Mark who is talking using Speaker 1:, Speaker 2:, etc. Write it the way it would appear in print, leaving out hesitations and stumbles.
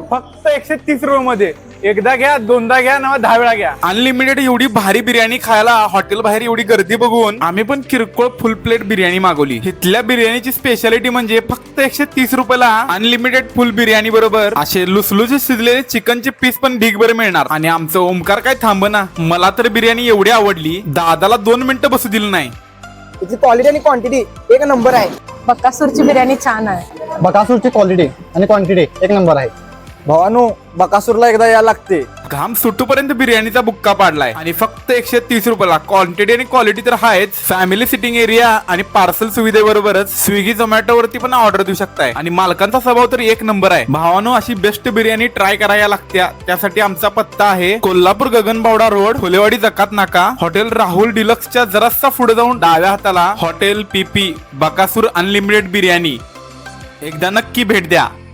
Speaker 1: फक्त 130 रुपये मध्ये. एकदा घ्या, दोनदा घ्या ना, 10 वेळा घ्या. अनलिमिटेड एवढी भारी बिर्याणी खायला हॉटेल बाहेर एवढी गर्दी बघून आम्ही पण किरकोळ फुल प्लेट बिर्याणी मागवली. इथल्या बिर्याणीची स्पेशालिटी म्हणजे फक्त 130 रुपयाला अनलिमिटेड फुल बिर्याणी बरोबर असे लुसलुसे शिजलेले चिकनचे पीस पण ढीगभर मिळणार. आणि आमचं ओमकार काय थांबना, मला तर बिर्याणी एवढी आवडली, दादाला 2 मिनिटं बसू दिलं नाही.
Speaker 2: त्याची क्वालिटी आणि क्वांटिटी एक नंबर आहे.
Speaker 3: बकासूरची बिर्याणी छान आहे.
Speaker 4: बकासूरची क्वालिटी आणि क्वांटिटी एक नंबर आहे.
Speaker 2: भावानो, बकासूरला एकदा यायला लागते.
Speaker 1: घाम सुटूपर्यंत बिर्याणीचा बुक्का पाडलाय आणि फक्त 130 रुपयाला. क्वांटिटी आणि क्वालिटी तर आहेच. फॅमिली सिटिंग एरिया आणि पार्सल सुविधेबरोबरच स्विगी झोमॅटो वरती पण ऑर्डर देऊ शकताय. आणि मालकांचा स्वभाव तर एक नंबर आहे. भावानो, अशी बेस्ट बिर्याणी ट्राय करायला लागत्या. त्यासाठी आमचा पत्ता आहे कोल्हापूर गगनबावडा रोड, फुलेवाडी जकात नाका, हॉटेल राहुल डिलक्सच्या जरासा पुढे जाऊन डाव्या हाताला hotel PP Bakasur unlimited biryani. एकदा नक्की भेट द्या.